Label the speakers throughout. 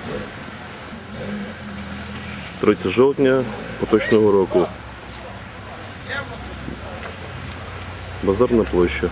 Speaker 1: 3 жовтня поточного року. Базарна площа.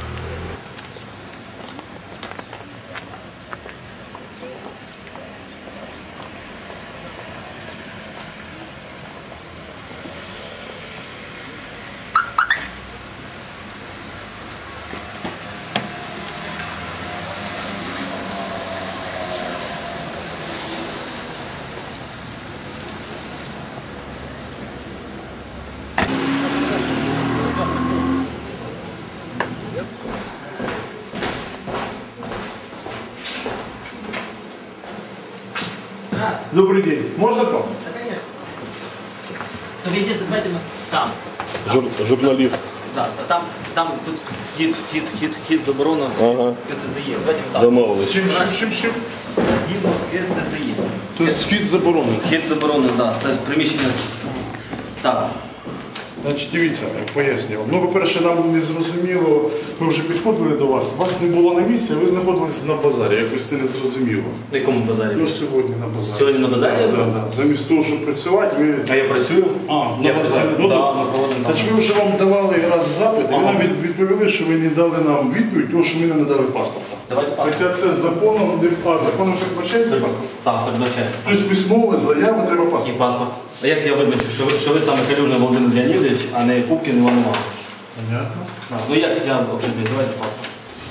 Speaker 2: Добрый день. Можно к вам?
Speaker 3: Да, конечно. Только единственное, давайте мы там.
Speaker 1: Журналіст.
Speaker 3: Да, там тут хід заборонено з
Speaker 1: Ага.
Speaker 3: КСЗЄ. Давайте ми там.
Speaker 1: Домовились.
Speaker 2: Чим?
Speaker 3: Згідно з КСЗЄ.
Speaker 2: Тобто вхід заборонений.
Speaker 3: Хід заборонено, так. Це приміщення так.
Speaker 2: Значить, дивіться, пояснюю. Ну, по-перше, нам не зрозуміло, ми вже підходили до вас. Вас не було на місці, а ви знаходились на базарі. Якось це не зрозуміло.
Speaker 3: На якому базарі?
Speaker 2: Ну, сьогодні на базарі.
Speaker 3: Сьогодні на базарі?
Speaker 2: Так, так, так. Замість того, щоб працювати, ви...
Speaker 3: А я працюю?
Speaker 2: на
Speaker 3: Я
Speaker 2: базарі.
Speaker 3: працюю,
Speaker 2: Ну,
Speaker 3: да,
Speaker 2: то-
Speaker 3: ми проводимо там.
Speaker 2: Значить, ми вже вам давали раз запит, і ви
Speaker 3: Ага.
Speaker 2: нам відповіли, що ви не дали нам відповідь, тому що ми не надали паспорта.
Speaker 3: Давайте паспорт.
Speaker 2: Хоча це законом, законом передбачається паспорт.
Speaker 3: Так, передбачаю.
Speaker 2: Тобто письмова заява треба
Speaker 3: І
Speaker 2: паспорт.
Speaker 3: паспорт. А як я визначу, що ви саме Калюжний Володимир Леонідович, а не Пупкін Іван Іванович?
Speaker 2: Понятно.
Speaker 3: Ну як я определюю, давайте паспорт.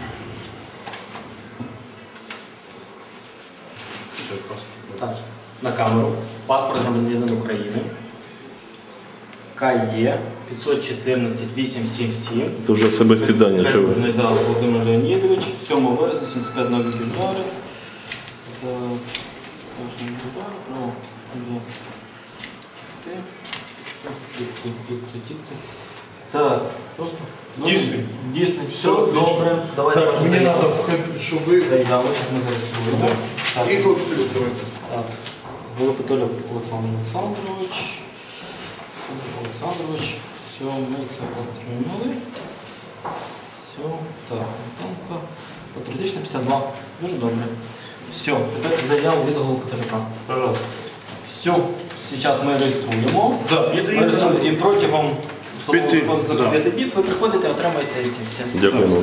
Speaker 2: Все, паспорт.
Speaker 3: Так, на камеру. Паспорт громадянина України. КЕ 514 877.
Speaker 1: Це вже особисті дані. Що ви?
Speaker 3: Калюжний, да, Володимир Леонідович. 7 вересня, 75 на Гібідари. Так, просто.
Speaker 2: Дійсний?
Speaker 3: Дійсний, все,
Speaker 2: Отлично.
Speaker 3: добре. Давайте
Speaker 2: Так,
Speaker 3: вашу
Speaker 2: мені
Speaker 3: заяву.
Speaker 2: треба, щоб ви...
Speaker 3: Заяву, зараз ми зареєструємо. Так.
Speaker 2: І тут давайте.
Speaker 3: Так. Голопитоля Олександр Олександрович. Все, ми це отримали. Все, так, Антонка. Патріотична 52. Дуже добре. Все, тепер заяву від Голопитоляка. Пожалуйста. Все, зараз ми реєструємо.
Speaker 2: Да,
Speaker 3: Ми реєструємо. І протягом
Speaker 2: П'яти, да.
Speaker 3: 5 днів ви приходите, отримаєте ці всі.
Speaker 1: Дякуємо.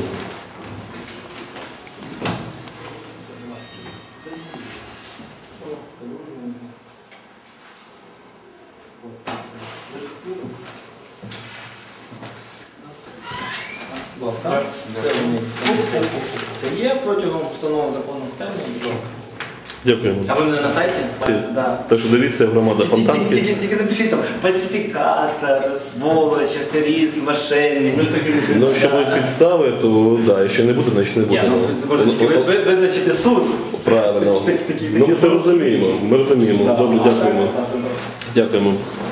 Speaker 3: Будь ласка. Це є протягом встановленого законом терміну. Будь ласка.
Speaker 1: Дякуємо.
Speaker 3: А ви мене на сайті? Да.
Speaker 1: Так що дивіться, громада Фонтанки.
Speaker 3: Тільки напишіть там фальсифікатор, сволоч, аферизм, мошенник.
Speaker 1: Ну, якщо будуть підстави, то да, якщо не буде, значить не буде.
Speaker 3: Ні, ну ви визначите суд.
Speaker 1: Правильно.
Speaker 3: Такі
Speaker 1: Ну, ми це розуміємо. Ми розуміємо. Добре, дякуємо.
Speaker 3: Так, так, так.
Speaker 1: Дякуємо.